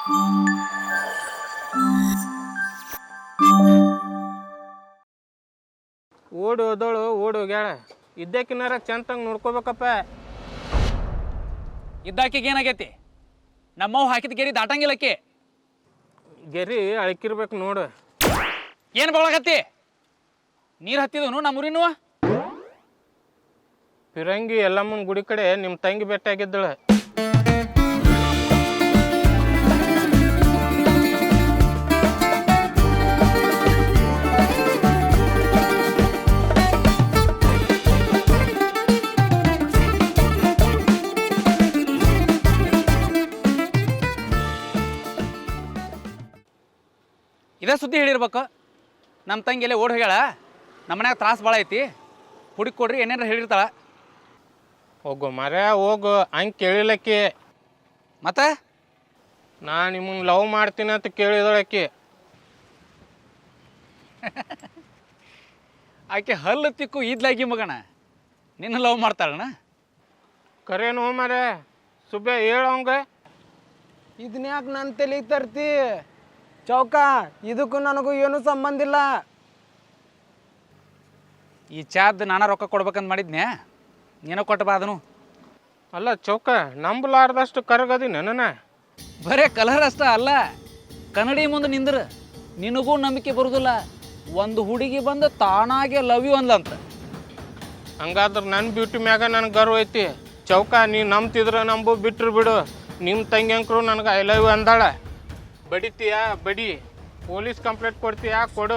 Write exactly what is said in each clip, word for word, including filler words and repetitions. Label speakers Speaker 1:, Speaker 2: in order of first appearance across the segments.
Speaker 1: ಓಡಿ ಹೋದಳು ಓಡಿ ಹೋಗ್ಯಾಳ. ಇದ್ದಕ್ಕಿನಾರ ಚಂತಂಗೆ ನೋಡ್ಕೋಬೇಕಪ್ಪ.
Speaker 2: ಇದ್ದಾಕಿಗೆ ಏನಾಗೈತಿ? ನಮ್ಮವ್ ಹಾಕಿದ ಗೆರಿ ದಾಟಂಗಿಲ್ಲಕ್ಕಿ.
Speaker 1: ಗೆರಿ ಅಳಕಿರ್ಬೇಕು ನೋಡು.
Speaker 2: ಏನು ಬಳಗತ್ತಿ? ನೀರು ಹತ್ತಿದನು ನಮ್ಮೂರಿನೂ.
Speaker 1: ಫಿರಂಗಿ ಎಲ್ಲಮ್ಮನ ಗುಡಿ ಕಡೆ ನಿಮ್ಮ ತಂಗಿ ಭೇಟಿಯಾಗಿದ್ದಳು.
Speaker 2: ಇದೇ ಸುದ್ದಿ ಹೇಳಿರ್ಬೇಕು. ನಮ್ಮ ತಂಗಿ ಎಲ್ಲೇ ಓಡಿ ಹೋಗ್ಯಾಳ, ನಮ್ಮ ಮನ್ಯಾಗ ತ್ರಾಸ ಭಾಳ ಐತಿ, ಹುಡುಕಿ ಕೊಡ್ರಿ ಏನೇನಾರ ಹೇಳಿರ್ತಾಳ.
Speaker 1: ಹೋಗು ಮರ ಹೋಗು. ಹಂಗೆ ಕೇಳಿಲ್ಲಕ್ಕಿ.
Speaker 2: ಮತ್ತೆ
Speaker 1: ನಾ ನಿಮ್ಮನ್ನ ಲವ್ ಮಾಡ್ತೀನಿ ಅಂತ ಕೇಳಿದಳಕ್ಕಿ.
Speaker 2: ಆಕೆ ಹಲ್ಲು ತಿಕ್ಕು ಈದ್ಲಾಗಿ ಮಗಣ ನಿನ್ನ ಲವ್ ಮಾಡ್ತಾಳಣ್ಣ?
Speaker 1: ಕರೇನು ಮರ ಸುಬ್ಬೆ ಹೇಳವಂಗ.
Speaker 3: ಇದನ್ಯಾಕೆ ನನ್ನ ತಲೆಗೆ ತರ್ತಿ ಚೌಕ? ಇದಕ್ಕೂ ನನಗೂ ಏನೂ ಸಂಬಂಧ ಇಲ್ಲ.
Speaker 2: ಈ ಚಾದ್ ನಾನಾ ರೊಕ್ಕ ಕೊಡ್ಬೇಕಂತ ಮಾಡಿದ್ನ್ಯಾ, ನೀನೋ ಕೊಟ್ಟು ಬಾ ಅದನು.
Speaker 1: ಅಲ್ಲ ಚೌಕ, ನಂಬಲಾರ್ದಷ್ಟು ಕರಗದಿ ನನ್ನ.
Speaker 2: ಬರೇ ಕಲರ್ ಅಷ್ಟ ಅಲ್ಲ, ಕನ್ನಡಿ ಮುಂದೆ ನಿಂದ್ರ ನಿನಗೂ ನಂಬಿಕೆ ಬರುದಿಲ್ಲ. ಒಂದು ಹುಡುಗಿ ಬಂದು ತಾನಾಗೆ ಲವ್ ಯು ಅಂದ್ಲಂತ.
Speaker 1: ಹಂಗಾದ್ರೆ ನನ್ನ ಬ್ಯೂಟಿ ಮ್ಯಾಗ ನನಗೆ ಗರ್ವ ಐತಿ ಚೌಕ. ನೀ ನಂಬ್ತಿದ್ರ ನಂಬು, ಬಿಟ್ರು ಬಿಡು. ನಿಮ್ಮ ತಂಗಿ ಅಂಕರು ನನಗೆ ಐ ಲವ್ ಯು ಅಂದಾಳ. ಬಡಿತೀಯಾ ಬಡಿ, ಪೊಲೀಸ್ ಕಂಪ್ಲೇಂಟ್ ಕೊಡ್ತೀಯಾ ಕೊಡು.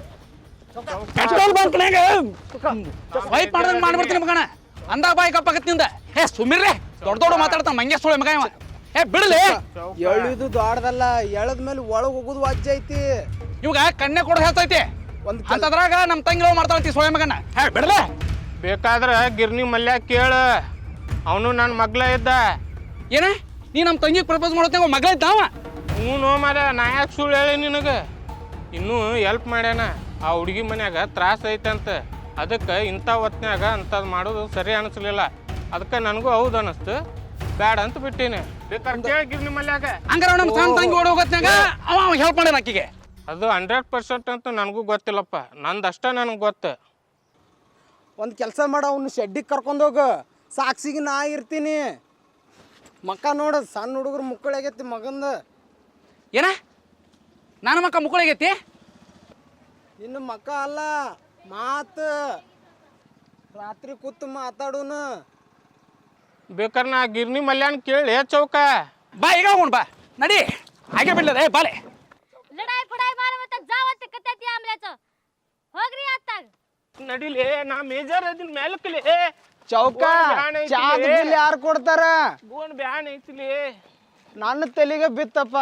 Speaker 2: ವೈಟ್ ಮಾಡ್ದಂಗೆ ಮಾಡ್ಬಿಡ್ತೀನಿ ಮಗಣ. ಅಂದ ಬಾಯಿ ಕಪ್ಪಾಗತ್ತಿಂದ. ಹೇ ಸುಮ್ಮಿರ್ರೆ, ದೊಡ್ಡ ದೊಡ್ಡ ಮಾತಾಡ್ತಾನ ಮಂಗ್ಯ ಸುಳೆ ಮಗ ಇವ. ಏ ಬಿಡಲಿ.
Speaker 3: ಎಳಿದು ದೊಡ್ಡದಲ್ಲ, ಎಳದ ಮೇಲೆ ಒಳಗೆ ಹೋಗುದು ವಾಜ್ಯ ಐತಿ.
Speaker 2: ಇವಾಗ ಕಣ್ಣೆ ಕೊಡ ಹೇಳ್ತೈತಿ.
Speaker 3: ಒಂದು
Speaker 2: ಅಂತದ್ರಾಗ ನಮ್ಮ ತಂಗಿ ಲವ್ ಮಾಡ್ತಾಳಂತಿ ಸುಳೆ ಮಗನ. ಹೇ ಬಿಡಲೆ.
Speaker 1: ಬೇಕಾದ್ರೆ ಗಿರ್ನಿ ಮಲ್ಯ ಕೇಳು, ಅವನು ನನ್ನ ಮಗ್ಲ ಇದ್ದ.
Speaker 2: ಏನ ನೀ ನಮ್ಮ ತಂಗಿಗೆ ಪ್ರಪೋಸ್ ಮಾಡೋತ್ನಾಗ ಮಗಳ ಇದ್ದಾವ?
Speaker 1: ಹ್ಞೂ ನೋ ಮಾರ, ನಾ ಯಾಕೆ ಸುಳ್ಳು ಹೇಳಿ ನಿನಗೆ? ಇನ್ನೂ ಎಲ್ಪ್ ಮಾಡ್ಯಾನ. ಆ ಹುಡುಗಿ ಮನ್ಯಾಗ ತ್ರಾಸ ಐತಂತ, ಅದಕ್ಕೆ ಇಂಥ ಹೊತ್ನ್ಯಾಗ ಅಂಥದ್ದು ಮಾಡೋದು ಸರಿ ಅನಿಸ್ಲಿಲ್ಲ. ಅದಕ್ಕೆ ನನಗೂ ಹೌದು ಅನ್ನಿಸ್ತು, ಬ್ಯಾಡ ಅಂತ ಬಿಟ್ಟೀನಿ. ಬೇಕಾದ್ರೆ ಕೇಳಿ ಗಿರ್ನಿ ಮಲ್ಯಾಗ.
Speaker 2: ಹಂಗಾರ ನಮ್ಮ ಸಣ್ಣ ತಂಗಿ ಓಡಿ ಹೋಗೋತ್ನಾಗ ಅವ ಅವ ಹೆಲ್ಪ್ ಮಾಡ್ಯಾನ ಆಕಿಗೆ.
Speaker 1: ಅದು ಹಂಡ್ರೆಡ್ ಪರ್ಸೆಂಟ್ ಅಂತ ನನಗೂ ಗೊತ್ತಿಲ್ಲಪ್ಪ, ನಂದು ಅಷ್ಟ ನನಗೆ ಗೊತ್ತು.
Speaker 3: ಒಂದು ಕೆಲಸ ಮಾಡ, ಅವ್ನು ಶೆಡ್ಡಿಗೆ ಕರ್ಕೊಂಡೋಗು, ಸಾಕ್ಷಿಗೆ ನಾ ಇರ್ತೀನಿ. ಮಕ್ಕ ನೋಡು, ಸಣ್ಣ ಹುಡುಗರು ಮುಕ್ಕಳಾಗೈತಿ ಮಗಂದು.
Speaker 2: ಏನ ನನ್ನ ಮಕ್ಕ ಮುಕ್ಕಳಿಗೈತಿ?
Speaker 3: ಇನ್ನು ಮಕ್ಕ ಅಲ್ಲ, ಮಾತು ರಾತ್ರಿ ಕೂತು ಮಾತಾಡೋನು.
Speaker 1: ಬೇಕಾದ್ರೆ ನಾ ಗಿರ್ನಿ ಮಲ್ಯಾನ್ ಕೇಳಿ ಚೌಕ.
Speaker 2: ಬಾ ಈಗ ಹೋಗೋಣ ಬಾ, ನಡಿ. ಹಾಗೆ ಬಿಡ್ಲದ ಏ ಬಾಲೆ.
Speaker 4: लढाई फडाई मार मत जावत कत्याती आमल्याचं होगरी आता
Speaker 1: ನಡಿಲೇ, ನಾ ಮೇಜರ್ ಅದನ್ನ ಮೇಲಕ್ಕಲೇ.
Speaker 3: ಚೌಕ ಚಾದ ಬಿಲ್ ಯಾರು ಕೊಡ್ತಾರ?
Speaker 1: ಗೋನ್ ಬ್ಯಾನ್ ಐತಿಲಿ.
Speaker 3: ನನ್ನ ತಲೆಗೆ ಬಿತ್ತಪ್ಪ.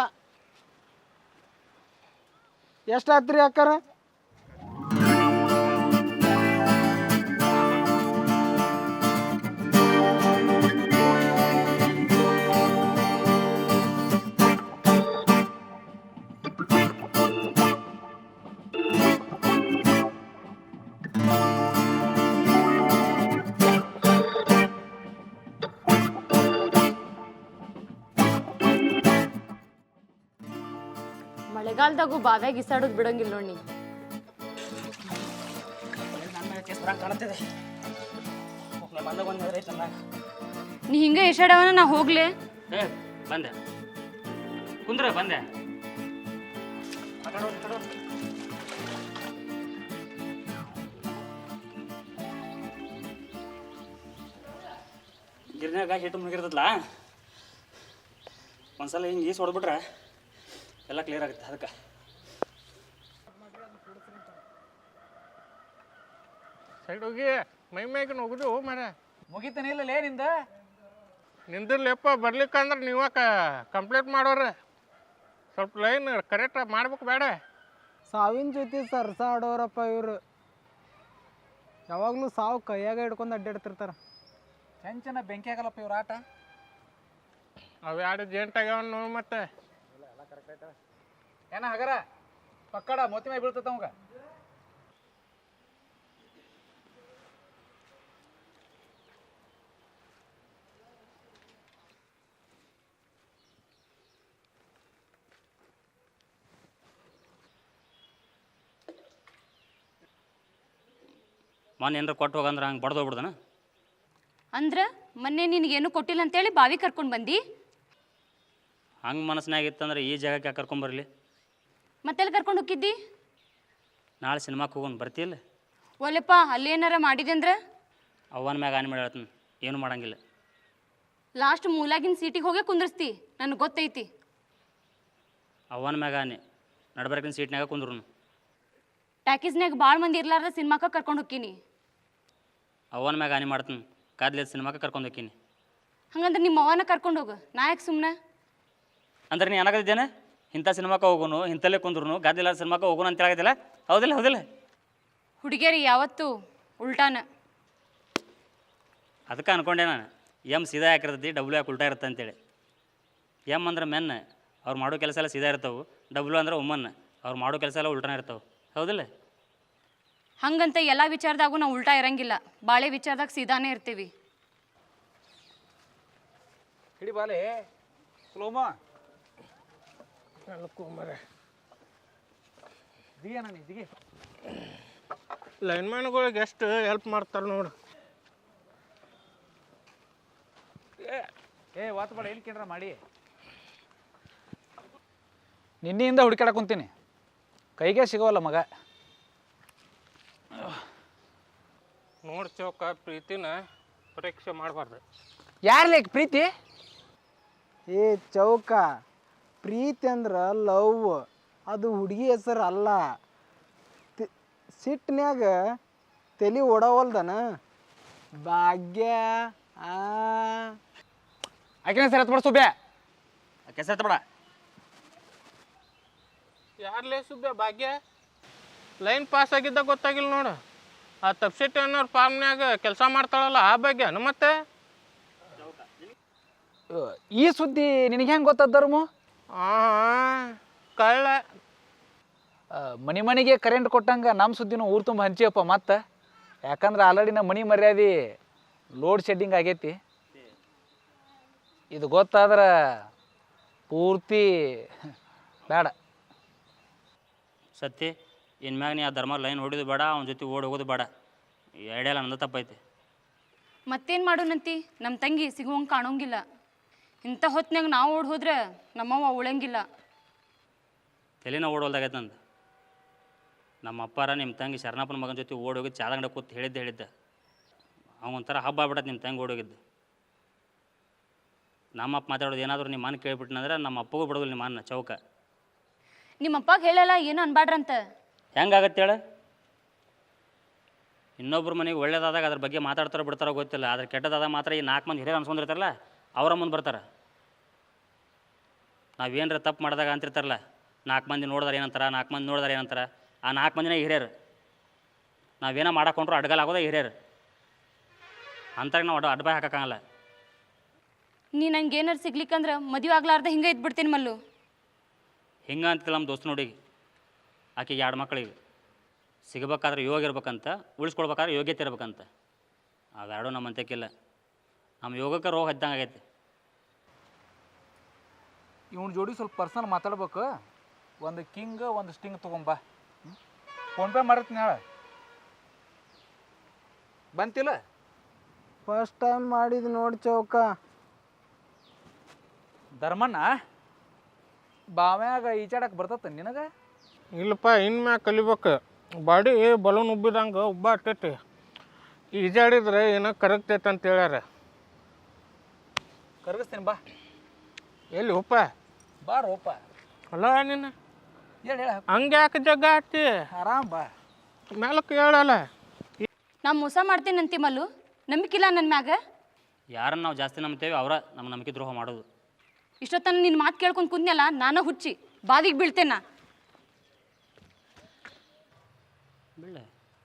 Speaker 3: ಎಷ್ಟಾತ್ರಿ ಅಕ್ಕಾರ?
Speaker 4: ಮಳೆಗಾಲದಾಗೂ ಬಾವ್ಯಾಗ ಇಸಾಡೋದು ಬಿಡಂಗಿಲ್ಲ ನೋಡಿ. ನೀ ಹಿಂಗ ಇಸಾಡವನ ನಾ ಹೋಗ್ಲೆ.
Speaker 2: ಬಂದೆ ಕುಂದ್ರ ಬಂದೆ. ಗಿರ್ನ್ಯಾಗ ಹಿಟ್ಟು ಮುಗಿರ್ತದಲ್ಲ, ಒಂದ್ಸಲ ಹಿಂಗೆ ಈಸ್ ಹೊಡೆದ್ಬಿಟ್ರೆ ಎಲ್ಲ ಕ್ಲಿಯರ್ ಆಗುತ್ತೆ. ಅದಕ್ಕೆ
Speaker 1: ಸೈಡ್ ಹೋಗಿ ಮೈ ಮೈಗೆ ಹೋಗುದು ಮರ.
Speaker 2: ಮುಗಿತಾನೆ ಇಲ್ಲಲೇ ನಿಂದ.
Speaker 1: ನಿಂದಿರ್ಲಿಪ್ಪ, ಬರ್ಲಿಕ್ಕಂದ್ರೆ ನೀವ ಕಂಪ್ಲೇಂಟ್ ಮಾಡೋರು. ಸ್ವಲ್ಪ ಲೈನ್ ಕರೆಕ್ಟ್ ಮಾಡ್ಬೇಕು ಬೇಡ.
Speaker 3: ಸಾವಿನ ಜೊತೆ ಸರ್ಸಾಡೋರಪ್ಪ ಇವರು. ಯಾವಾಗಲೂ ಸಾವು ಕೈಯಾಗ ಹಿಡ್ಕೊಂಡು ಅಡ್ಡಾಡ್ತಿರ್ತಾರ.
Speaker 2: ಚೆಂಚನ ಬೆಂಕಿ ಆಗಲ್ಲಪ್ಪ ಇವ್ರ ಆಟ.
Speaker 1: ಅವು ಎರಡು ಜೇಂಟ್ ಆಗ್ಯಾವ ನೋಡಿ. ಮತ್ತೆ
Speaker 2: ಏನ ಹಗರ ಪಕ್ಕಡ ಮೋತಿ ಮೈ ಬೀಳ್ತೈತ ಅವಂಗ.
Speaker 5: ಮೊನ್ನೆ ಏನಾರ ಕೊಟ್ಟು ಹೋಗಂದ್ರೆ ಹಂಗೆ ಬಡ್ದು ಹೋಗ್ಬಿಡ್ದನ.
Speaker 6: ಅಂದ್ರೆ ಮೊನ್ನೆ ನಿನಗೇನು ಕೊಟ್ಟಿಲ್ಲ ಅಂತೇಳಿ ಬಾವಿ ಕರ್ಕೊಂಡು ಬಂದು
Speaker 5: ಹಂಗೆ ಮನಸ್ಸಿನಾಗ ಇತ್ತಂದ್ರೆ ಈ ಜಾಗಕ್ಕೆ ಯಾಕೆ ಕರ್ಕೊಂಬರಲಿ?
Speaker 6: ಮತ್ತೆಲ್ಲಿ ಕರ್ಕೊಂಡು ಹೋಗಿದ್ದಿ?
Speaker 5: ನಾಳೆ ಸಿನಿಮಾಕ್ಕೆ ಹೋಗೋಣ ಬರ್ತಿಲ್ಲ?
Speaker 6: ಒಲೆಪ್ಪ ಅಲ್ಲೇನಾರ ಮಾಡಿದೆ ಅಂದ್ರೆ
Speaker 5: ಅವನ ಮ್ಯಾಗ ಆನೆ ಮಾಡಿ ಹೇಳ್ತೀನಿ, ಏನು ಮಾಡಂಗಿಲ್ಲ.
Speaker 6: ಲಾಸ್ಟ್ ಮೂಲಾಗಿನ ಸೀಟಿಗೆ ಹೋಗೇ ಕುಂದ್ರಸ್ತಿ, ನನಗೆ ಗೊತ್ತೈತಿ.
Speaker 5: ಅವನ ಮ್ಯಾಗ ಆನೆ ನಡ್ಬರ್ಕಿನ ಸೀಟ್ನಾಗ ಕುಂದ್ರು.
Speaker 6: ಟ್ಯಾಕೀಸ್ನಾಗ ಭಾಳ ಮಂದಿ ಇರ್ಲಾರ್ದ ಸಿನಿಮಾಕ್ಕೆ ಕರ್ಕೊಂಡು ಹೋಗ್ತೀನಿ.
Speaker 5: ಅವನ ಮ್ಯಾಗ ಆನೆ ಮಾಡ್ತೀನಿ, ಕಾದ್ಲೇದ ಸಿನಿಮಾಕ್ಕೆ ಕರ್ಕೊಂಡು ಹೋಗ್ತೀನಿ.
Speaker 6: ಹಂಗಂದ್ರೆ ನಿಮ್ಮ ಅವನ ಕರ್ಕೊಂಡು ಹೋಗು, ನಾ ಯಾಕೆ ಸುಮ್ಮನೆ?
Speaker 5: ಅಂದ್ರೆ ನೀ ಏನಾಗದಿದ್ದೇನೆ ಇಂಥ ಸಿನಿಮಾಕ್ಕೆ ಹೋಗೋನು, ಇಂಥಲ್ಲೇ ಕುಂದ್ರು, ಗಾದಿಲ್ಲ ಸಿನಿಮಾಕ್ಕೆ ಹೋಗೋನು ಅಂತ ಹೇಳಾಗತ್ತಿಲ್ಲ? ಹೌದಿಲ್ಲ ಹೌದಿಲ್ಲ?
Speaker 6: ಹುಡುಗಿಯರಿ ಯಾವತ್ತೂ ಉಲ್ಟಾನ.
Speaker 5: ಅದಕ್ಕೆ ಅನ್ಕೊಂಡೆ ನಾನು, ಎಮ್ ಸೀದಾ ಯಾಕಿರ್ತೈತಿ, ಡಬ್ಲ್ಯೂ ಯಾಕೆ ಉಲ್ಟಾ ಇರುತ್ತೆ ಅಂತೇಳಿ. ಎಮ್ ಅಂದ್ರೆ ಮೆನ್, ಅವ್ರು ಮಾಡೋ ಕೆಲಸ ಎಲ್ಲ ಸೀದಾ ಇರ್ತಾವೆ. ಡಬ್ಲ್ಯೂ ಅಂದ್ರೆ ವುಮನ್, ಅವ್ರು ಮಾಡೋ ಕೆಲಸ ಎಲ್ಲ ಉಲ್ಟಾನ ಇರ್ತಾವೆ. ಹೌದಿಲ್ಲ?
Speaker 6: ಹಂಗಂತ ಎಲ್ಲ ವಿಚಾರದಾಗೂ ನಾವು ಉಲ್ಟಾ ಇರಂಗಿಲ್ಲ, ಬಾಳೆ ವಿಚಾರದಾಗ ಸೀದಾನೇ ಇರ್ತೀವಿ.
Speaker 2: ಹಿಡಿ ಬಾಲೆ ಸ್ಲೋಮ ದಿಗೆ ನಾನು ದಿಗೆ.
Speaker 1: ಲೈನ್ಮ್ಯಾನ್ಗಳಿಗೆ ಎಷ್ಟು ಹೆಲ್ಪ್ ಮಾಡ್ತಾರೆ ನೋಡು.
Speaker 2: ಏ ವಾತ್ ಬೇಡ, ಎಲ್ಲಿ ಕೇಳ್ರ ಮಾಡಿ. ನಿನ್ನೆಯಿಂದ ಹುಡುಕಾಡಕ್ಕೆ ಕುಂತೀನಿ, ಕೈಗೆ ಸಿಗೋವಲ್ಲ ಮಗ.
Speaker 1: ನೋಡಿ ಚೌಕ, ಪ್ರೀತಿನ ಪರೀಕ್ಷೆ ಮಾಡಬಾರ್ದು.
Speaker 2: ಯಾರು ಲೇಕ್ ಪ್ರೀತಿ?
Speaker 3: ಏ ಚೌಕ, ಪ್ರೀತಿ ಅಂದ್ರೆ ಲವ್, ಅದು ಹುಡುಗಿ ಹೆಸರು ಅಲ್ಲ. ಸಿಟ್ಟಿನ್ಯಾಗ ತಲೆ ಓಡವಲ್ದನ. ಭಾಗ್ಯ ಆ
Speaker 2: ಆಕಿನ ಸರ್ ಹತ್ಬಿಡ ಸುಬ್ಯಾ.
Speaker 5: ಕೆಸರ್ತ ಬೇಡ.
Speaker 1: ಯಾರ್ಲೇ ಸುಬ್ಬ ಭಾಗ್ಯ? ಲೈನ್ ಪಾಸ್ ಆಗಿದ್ದ ಗೊತ್ತಾಗಿಲ್ಲ ನೋಡು. ಆ ತಪ್ಸಿಟ್ಟು ಅನ್ನೋರು ಫಾರ್ಮ್ನ್ಯಾಗ ಕೆಲಸ ಮಾಡ್ತಾಳಲ್ಲ ಆ ಭಾಗ್ಯನ ಮತ್ತೆ?
Speaker 2: ಈ ಸುದ್ದಿ ನಿನಗೆ ಹೆಂಗೆ ಗೊತ್ತದ್ದರ್ಮು?
Speaker 1: ಹಾಂ ಕಳ್ಳ.
Speaker 2: ಮನೆ ಮನೆಗೆ ಕರೆಂಟ್ ಕೊಟ್ಟಂಗೆ ನಮ್ಮ ಸುದ್ದಿನೂ ಊರು ತುಂಬ ಹಂಚಿಯಪ್ಪ ಮತ್ತೆ. ಯಾಕಂದ್ರೆ ಆಲ್ರೆಡಿ ನಮ್ಮ ಮನೆ ಮರ್ಯಾದೆ ಲೋಡ್ ಶೆಡ್ಡಿಂಗ್ ಆಗೈತಿ. ಇದು ಗೊತ್ತಾದ್ರೆ ಪೂರ್ತಿ ಬೇಡ.
Speaker 5: ಸತ್ತಿ ಇನ್ಮ್ಯಾಗ ನೀ ಆ ಧರ್ಮ ಲೈನ್ ಹೊಡಿದು ಬೇಡ, ಅವನ ಜೊತೆ ಓಡಿ ಹೋಗೋದು ಬೇಡ. ಈ ಐಡಿಯಲ್ಲ ನಂದು ತಪ್ಪೈತಿ.
Speaker 6: ಮತ್ತೇನು ಮಾಡೋಣಂತಿ? ನಮ್ಮ ತಂಗಿ ಸಿಗುವಂಗೆ ಕಾಣೋಂಗಿಲ್ಲ. ಇಂಥ ಹೊತ್ನಾಗ ನಾವು ಓಡ್ ಹೋದ್ರೆ ನಮ್ಮವ್ವ ಉಳಂಗಿಲ್ಲ.
Speaker 5: ತಲೆನ ಓಡೋಲ್ದಾಗೈತೆ ನಂದು. ನಮ್ಮ ಅಪ್ಪಾರ ನಿಮ್ಮ ತಂಗಿ ಶರಣಪ್ಪನ ಮಗನ ಜೊತೆ ಓಡೋಗಿದ್ದು ಚಾದಂಗಡ ಕೂತು ಹೇಳಿದ್ದೆ ಹೇಳಿದ್ದೆ ಅವ್ನು ಒಂಥರ ಹಬ್ಬ ಆಗ್ಬಿಡತ್ತೆ ನಿಮ್ಮ ತಂಗಿ ಓಡೋಗಿದ್ದು. ನಮ್ಮ ಅಪ್ಪ ಮಾತಾಡೋದು ಏನಾದರೂ ನಿಮ್ಮ ಮನೆ ಕೇಳಿಬಿಟ್ನಂದ್ರೆ ನಮ್ಮ ಅಪ್ಪಗೂ ಬಿಡೋದಿಲ್ಲ ನಿಮ್ಮ ಅನ್ನ ಚೌಕ.
Speaker 6: ನಿಮ್ಮ ಅಪ್ಪಗೆ ಹೇಳಲ್ಲ ಏನು ಅನ್ಬಾಡ್ರಂತ.
Speaker 5: ಹೆಂಗಾಗತ್ತೆ ಹೇಳು? ಇನ್ನೊಬ್ರ ಮನೆಗೆ ಒಳ್ಳೇದಾದಾಗ ಅದ್ರ ಬಗ್ಗೆ ಮಾತಾಡ್ತಾರೋ ಬಿಡ್ತಾರೋ ಗೊತ್ತಿಲ್ಲ, ಆದ್ರೆ ಕೆಟ್ಟದಾದಾಗ ಮಾತ್ರ ಈ ನಾಲ್ಕು ಮಂದಿ ಹಿರಿಯರು ಅನ್ಸ್ಕೊಂಡಿರ್ತಾರಲ್ಲ ಅವರ ಮುಂದೆ ಬರ್ತಾರೆ. ನಾವೇನರ ತಪ್ಪು ಮಾಡಿದಾಗ ಅಂತಿರ್ತಾರಲ್ಲ, ನಾಲ್ಕು ಮಂದಿ ನೋಡಿದಾರೆ ಏನಂತಾರೆ, ನಾಲ್ಕು ಮಂದಿ ನೋಡಿದಾರೆ ಏನಂತಾರೆ, ಆ ನಾಲ್ಕು ಮಂದಿನೇ ಹಿರಿಯರು. ನಾವೇನೋ ಮಾಡಕೊಂಡ್ರು ಅಡ್ಗಲ್ ಆಗೋದೇ ಹಿರಿಯರು. ಅಂತಾರೆ ನಾವು ಅಡ್ ಅಡ್ಬಾಯ್ ಹಾಕೋಕ್ಕಾಗಲ್ಲ.
Speaker 6: ನೀ ನಂಗೆ ಏನಾರು ಸಿಗ್ಲಿಕ್ಕಂದ್ರೆ ಮದುವೆ ಆಗ್ಲಾರ್ದ ಹಿಂಗೆ ಇದ್ಬಿಡ್ತೀನಿ ಮಲ್ಲು.
Speaker 5: ಹಿಂಗೆ ಅಂತಿಲ್ಲ ನಮ್ಮ ದೋಸ್ತ ನೋಡಿ, ಆಕೆಗೆ ಎರಡು ಮಕ್ಕಳಿಗೆ ಸಿಗಬೇಕಾದ್ರೆ ಯೋಗ ಇರ್ಬೇಕಂತ, ಉಳಿಸ್ಕೊಳ್ಬೇಕಾದ್ರೆ ಯೋಗ್ಯತೆ ಇರ್ಬೇಕಂತ. ಅವೆರಡೂ ನಮ್ಮ ಅಂತ್ಯಕ್ಕಿಲ್ಲ. ನಮ್ಮ ಯೋಗಕ್ಕೆ ರೋಗ ಹದ್ದಂಗೆ ಆಗೈತೆ.
Speaker 2: ಇವನ ಜೋಡಿ ಸ್ವಲ್ಪ ಪರ್ಸನಲ್ ಮಾತಾಡ್ಬೇಕು. ಒಂದು ಕಿಂಗ್ ಒಂದು ಸ್ಟಿಂಗ್ ತೊಗೊಂಬಾ. ಫೋನ್ಪೇ ಮಾಡಿರ್ತೀನಿ ಹೇಳ. ಬಂತಿಲ್ಲ?
Speaker 3: ಫಸ್ಟ್ ಟೈಮ್ ಮಾಡಿದ್ ನೋಡಿ ಚೌಕ.
Speaker 2: ಧರ್ಮಣ್ಣ ಬಾವ್ಯಾಗ ಈಚಾಡಕ್ಕೆ ಬರ್ತತ್ತ ನಿನಗೆ?
Speaker 1: ಇಲ್ಲಪ್ಪ, ಇನ್ಮ್ಯಾಗ ಕಲಿಬೇಕು. ಬಾಡಿ ಬಲೂನ್ ಉಬ್ಬಿದಂಗೆ ಉಬ್ಬ ಆಗ್ತೈತಿ. ಈಜಾಡಿದ್ರೆ ಏನೋ ಕರಗ್ತೈತೆ ಅಂತ ಹೇಳ್ಯಾರ.
Speaker 2: ಕರಗಿಸ್ತೀನಿ ಬಾ.
Speaker 1: ಎಲ್ಲಿ ಉಪ್ಪ?
Speaker 2: ಬಾ ರೋಪ.
Speaker 1: ಅಲ್ಲ ನೀನು
Speaker 2: ಹೇಳಿ ಹೇಳ.
Speaker 1: ಹಂಗೆ ಯಾಕೆ ಜಗ್ಗ ಆಗ್ತಿ?
Speaker 2: ಆರಾಮ್ ಬಾ.
Speaker 1: ಮೇಲಕ್ಕೆ ಹೇಳಲ್ಲ.
Speaker 6: ನಾ ಮೋಸ ಮಾಡ್ತೇನಂತಿ ಮಲ್ಲು, ನಂಬಿಕಿಲ್ಲ ನನ್ನ ಮ್ಯಾಗ?
Speaker 5: ಯಾರನ್ನು ನಾವು ಜಾಸ್ತಿ ನಂಬ್ತೇವೆ ಅವರ ನಮ್ಮ ನಂಬಿಕೆ ದ್ರೋಹ ಮಾಡೋದು.
Speaker 6: ಇಷ್ಟೊತ್ತನ ನಿನ್ನ ಮಾತು ಕೇಳ್ಕೊಂಡು ಕುಂದ್ನಲ್ಲ, ನಾನು ಹುಚ್ಚಿ ಬಾದಿಗೆ ಬೀಳ್ತೇನ.
Speaker 5: ಬೀಳ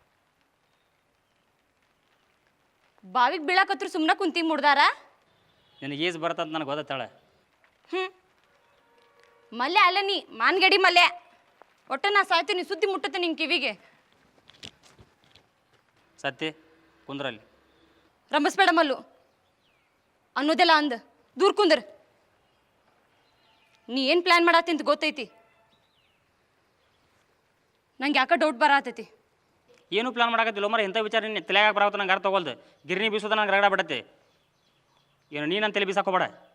Speaker 6: ಬಾವಿಗೆ ಬೀಳಾಕತ್ರು ಸುಮ್ಮನೆ ಕುಂತಿ ಮುಡ್ದಾರ.
Speaker 5: ನಿನಗೆ ಈಜು ಬರ್ತಂತ ನನಗೆ ಗೊತ್ತಾಳೆ.
Speaker 6: ಹ್ಞೂ ಮಲ್ಯ ಅಲ್ಲ ನೀ ಮಾನ್ಗಡಿ ಮಲ್ಯ. ಒಟ್ಟ ನಾ ಸಾಯ್ತೀನಿ, ಸುದ್ದಿ ಮುಟ್ಟತ್ತೆ ನಿನ್ನ ಕಿವಿಗೆ.
Speaker 5: ಸತ್ತಿ ಕುಂದ್ರಲ್ಲಿ.
Speaker 6: ರಂಬಸ್ಬೇಡ ಮಲ್ಲು, ಅನ್ನೋದೆಲ್ಲ ಅಂದ ದೂರ ಕುಂದ್ರ. ನೀ ಏನು ಪ್ಲ್ಯಾನ್ ಮಾಡತ್ತಿ ಅಂತ ಗೊತ್ತೈತಿ. ನಂಗೆ ಯಾಕೆ ಡೌಟ್ ಬರತೈತಿ.
Speaker 5: ಏನು ಪ್ಲಾನ್ ಮಾಡಕತ್ತಿಲ್ಲ ಮರ ಎಂಥ ವಿಚಾರ ನೀನು ತಲೆಯಾಗ ಬರಾವತ್ತ ನಂಗೆ ಅರ್ಥ ತಗೊಳ್ದು ಗಿರಣಿ ಬೀಸೋದ ನಂಗೆ ರಗಡ ಬಿಡತ್ತೆ ಏನು ನೀನು ತಲೆ ಬೀಸಾಕೋಬೇಡ